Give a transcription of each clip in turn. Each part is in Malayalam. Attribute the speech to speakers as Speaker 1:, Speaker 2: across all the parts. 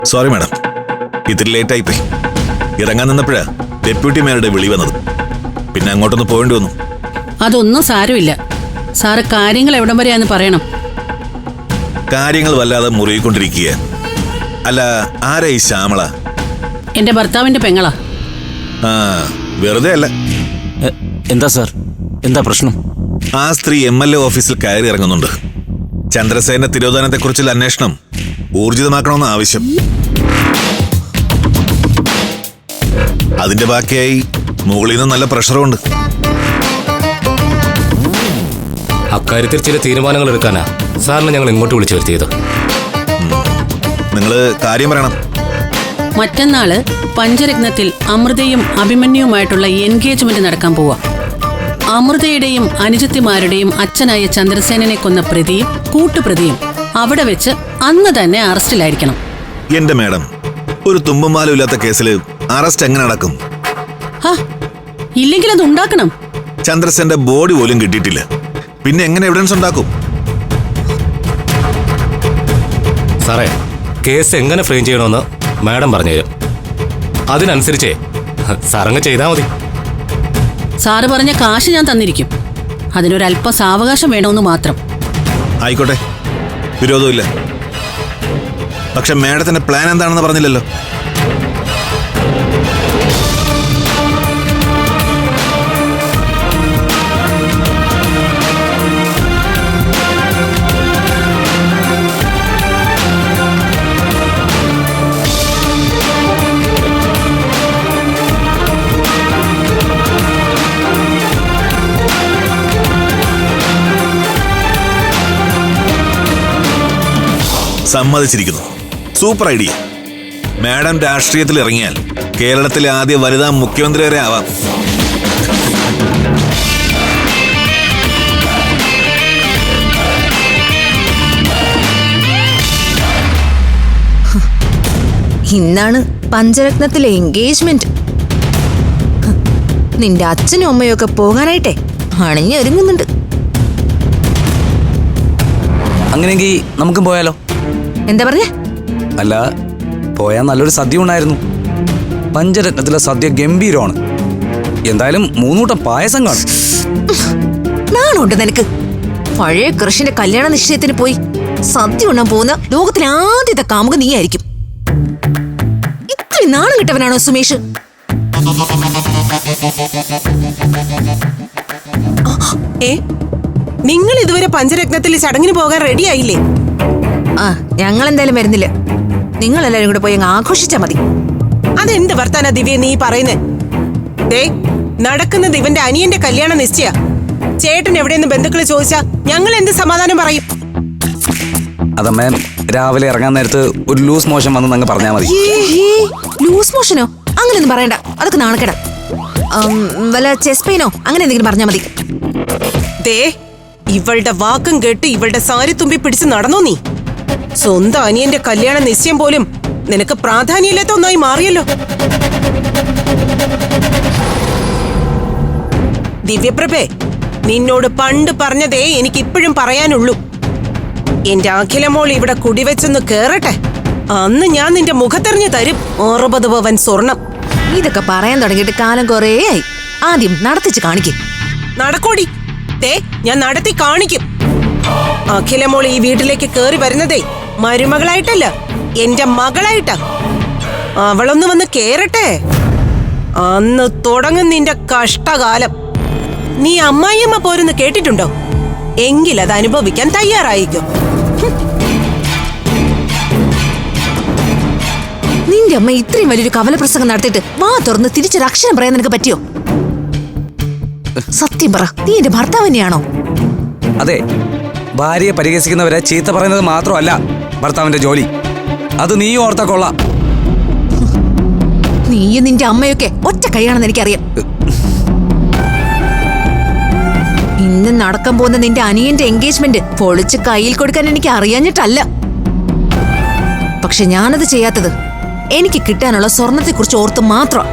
Speaker 1: സോറി മാഡം, ഇത്തിരി ലേറ്റായി പോയി. ഇറങ്ങാൻ നിന്നപ്പോഴാ ഡെപ്യൂട്ടി മേയറുടെ വിളി വന്നത്. പിന്നെ അങ്ങോട്ടൊന്ന് പോകേണ്ടി വന്നു.
Speaker 2: അതൊന്നും സാരമില്ല സാറ്. കാര്യങ്ങൾ എവിടം വരെയാന്ന് പറയണം.
Speaker 1: കാര്യങ്ങൾ വല്ലാതെ മുറുകിക്കൊണ്ടിരിക്കുക. അല്ല, ആരാ ഈ ശ്യാമള?
Speaker 2: എന്റെ ഭർത്താവിന്റെ പെങ്ങളാ.
Speaker 1: ആ, വെറുതെ അല്ല.
Speaker 3: എന്താ സാർ, എന്താ പ്രശ്നം?
Speaker 1: ആ സ്ത്രീ MLA ഓഫീസിൽ കയറി ഇറങ്ങുന്നുണ്ട്. ചന്ദ്രസേന തിരോധാനത്തെക്കുറിച്ചുള്ള അന്വേഷണം ഊർജിതമാക്കണമെന്ന് ആവശ്യം. അതിന്റെ ബാക്കിയായി മുകളിൽ നിന്ന് നല്ല പ്രഷറുണ്ട്.
Speaker 4: അക്കാര്യത്തിൽ ചില തീരുമാനങ്ങൾ എടുക്കാനാ സാറിനെ ഞങ്ങൾ ഇങ്ങോട്ട് വിളിച്ചു വരുത്തിയത്.
Speaker 1: നിങ്ങള് കാര്യം പറയണം.
Speaker 2: മറ്റന്നാള് പഞ്ചരത്നത്തിൽ അമൃതയും അഭിമന്യുമായിട്ടുള്ള എൻഗേജ്മെന്റ് നടക്കാൻ പോവാ. അമൃതയുടെയും അനുജത്തിമാരുടെയും അച്ഛനായ ചന്ദ്രസേനനെ കൊന്ന പ്രതിയും കൂട്ടുപ്രതിയും അവിടെ വെച്ച് അന്ന് തന്നെ അറസ്റ്റിലായിരിക്കണം.
Speaker 1: എന്റെ മാഡം, ഒരു തുമ്പുമാലും ഇല്ലാത്ത കേസിൽ അറസ്റ്റ് എങ്ങനെ നടക്കും?
Speaker 2: ഇല്ലെങ്കിൽ അത് ഉണ്ടാക്കണം.
Speaker 1: ചന്ദ്രസേന്റെ ബോഡി പോലും കിട്ടിയിട്ടില്ല, പിന്നെ എങ്ങനെ എവിഡൻസ് ഉണ്ടാക്കും?
Speaker 4: സാറേ, കേസ് എങ്ങനെ ഫ്രെയിം ചെയ്യണമെന്ന് മാഡം പറഞ്ഞുതരും. അതിനനുസരിച്ചേ സാറങ്ങ് ചെയ്താൽ മതി.
Speaker 2: സാറ് പറഞ്ഞ കാശ് ഞാൻ തന്നിരിക്കും. അതിനൊരല്പം സാവകാശം വേണമെന്ന് മാത്രം.
Speaker 1: ആയിക്കോട്ടെ, വിരോധമില്ല. പക്ഷെ മാഡത്തിന്റെ പ്ലാൻ എന്താണെന്ന് പറഞ്ഞില്ലല്ലോ. സമ്മതിച്ചിരിക്കുന്നു. Super idea. മാഡം രാഷ്ട്രീയത്തിൽ ഇറങ്ങിയാൽ കേരളത്തിലെ ആദ്യ വനിതാ മുഖ്യമന്ത്രി വരെ ആവാം.
Speaker 5: ഇന്നാണ് പഞ്ചരത്നത്തിലെ എൻഗേജ്മെന്റ്. നിന്റെ അച്ഛനും അമ്മയും ഒക്കെ പോകാനായിട്ടെ അണിഞ്ഞൊരുങ്ങുന്നുണ്ട്.
Speaker 3: അങ്ങനെയെങ്കിൽ നമുക്കും പോയാലോ?
Speaker 5: എന്താ പറഞ്ഞ?
Speaker 3: അല്ല, പോയാൽ നല്ലൊരു സദ്യ ഉണ്ടായിരുന്നു. പഞ്ചരത്നത്തിലെ സദ്യ ഗംഭീരമാണ്. എന്തായാലും 3 കൂട്ടം പായസം കാണും.
Speaker 5: നാണുണ്ട് നിനക്ക്? പഴയ കൃഷിന്റെ കല്യാണ നിശ്ചയത്തിന് പോയി സദ്യ ഉണ്ണാൻ പോകുന്ന ലോകത്തിലെ ആദ്യത്തെ കാമുക നീയായിരിക്കും. ഇത്രയും നാണം കിട്ടവനാണോ സുമേഷ്?
Speaker 6: നിങ്ങൾ ഇതുവരെ പഞ്ചരത്നത്തിൽ ചടങ്ങിന് പോകാൻ റെഡിയായില്ലേ?
Speaker 5: ഞങ്ങൾ എന്തായാലും വരുന്നില്ല. നിങ്ങൾ എല്ലാരും കൂടെ പോയി അങ്ങ് ആഘോഷിച്ചാ മതി.
Speaker 6: അതെന്ത് വർത്താന ദിവ്യ നീ പറയുന്നേ? നടക്കുന്നത് ഇവന്റെ അനിയന്റെ കല്യാണ നിശ്ചയ. ചേട്ടൻ എവിടെയെന്ന് ബന്ധുക്കള് ചോദിച്ചാ ഞങ്ങൾ എന്ത് സമാധാനം പറയും?
Speaker 3: അതമ്മേ, രാവിലെ ഇറങ്ങാൻ നേരത്ത് ഒരു ലൂസ് മോഷൻ വന്ന് അങ്ങ് പറഞ്ഞാൽ മതി.
Speaker 5: ലൂസ് മോഷനോ? അങ്ങനെയൊന്നും പറയണ്ട, അതൊക്കെ നാണക്കേടാ. വല്ല ചെസ്റ്റ് പെയിനോ അങ്ങനെ എന്തെങ്കിലും പറഞ്ഞാൽ മതി.
Speaker 6: ഇവളുടെ വാക്കും കേട്ട് ഇവളുടെ സാരി തുമ്പി പിടിച്ച് നടന്നോ നീ? സ്വന്തം അനിയന്റെ കല്യാണ നിശ്ചയം പോലും നിനക്ക് പ്രാധാന്യമില്ലാത്ത ഒന്നായി മാറിയല്ലോ. ദിവ്യപ്രഭേ, നിന്നോട് പണ്ട് പറഞ്ഞതേ എനിക്കിപ്പോഴും പറയാനുള്ളൂ. എന്റെ അഖിലമോൾ ഇവിടെ കുടിവെച്ചൊന്ന് കേറട്ടെ, അന്ന് ഞാൻ നിന്റെ മുഖത്തെറിഞ്ഞു തരും 60 പവൻ സ്വർണം.
Speaker 5: ഇതൊക്കെ പറയാൻ തുടങ്ങിയിട്ട് കാലം കുറേ ആയി. ആദ്യം നടത്തിച്ച് കാണിക്കും.
Speaker 6: നടക്കോടി, ഞാൻ നടത്തി കാണിക്കും. അഖിലമോൾ ഈ വീട്ടിലേക്ക് കേറി വരുന്നതേ മരുമകളായിട്ടല്ല, എന്റെ മകളായിട്ടാ. അവളൊന്ന് വന്ന് കേറട്ടെ, അന്ന് തുടങ്ങും നിന്റെ കഷ്ടകാലം. നീ അമ്മായിയമ്മ പോരെന്ന് കേട്ടിട്ടുണ്ടോ? എങ്കിലത് അനുഭവിക്കാൻ തയ്യാറായിക്കോ.
Speaker 5: നിന്റെ അമ്മ ഇത്രയും വലിയൊരു കവലപ്രസംഗം നടത്തിയിട്ട് വാ തുറന്ന് തിരിച്ചൊരു അക്ഷരം പറയാൻ നിനക്ക് പറ്റിയോ? സത്യം പറ, നീ എന്റെ ഭർത്താവ് തന്നെയാണോ?
Speaker 3: അതെ, ഭാര്യയെ പരിഹസിക്കുന്നവരെ ചീത്ത പറയുന്നത് മാത്രമല്ല ഭർത്താവിന്റെ ജോലി. അത് നീ ഓർത്താ കൊള്ളാം.
Speaker 5: നീയും നിന്റെ അമ്മയൊക്കെ ഒറ്റ കൈയാണെന്ന് എനിക്കറിയാം. ഇന്ന് നടക്കാൻ പോകുന്ന നിന്റെ അനിയന്റെ എൻഗേജ്മെന്റ് പൊളിച്ച് കയ്യിൽ കൊടുക്കാൻ എനിക്ക് അറിയാഞ്ഞിട്ടല്ല. പക്ഷെ ഞാനത് ചെയ്യാത്തത് എനിക്ക് കിട്ടാനുള്ള സ്വർണത്തെക്കുറിച്ച് ഓർത്ത് മാത്രം.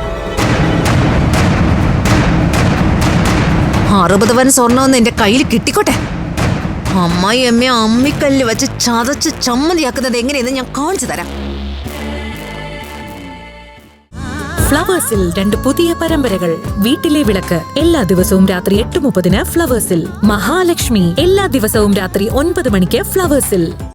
Speaker 5: 60 പവൻ സ്വർണ്ണമെന്ന് എന്റെ കയ്യിൽ കിട്ടിക്കോട്ടെ. അമ്മായി അമ്മയെ അമ്മിക്കല്ല് വെച്ച് ചതച്ച് ചമ്മന്തിയാക്കുന്നത് എങ്ങനെയെന്ന് ഞാൻ കാണിച്ചു തരാം.
Speaker 7: ഫ്ലവേഴ്സിൽ 2 പുതിയ പരമ്പരകൾ. വീട്ടിലെ വിളക്ക് എല്ലാ ദിവസവും രാത്രി 8:30 ഫ്ലവേഴ്സിൽ. മഹാലക്ഷ്മി എല്ലാ ദിവസവും രാത്രി 9 മണിക്ക് ഫ്ലവേഴ്സിൽ.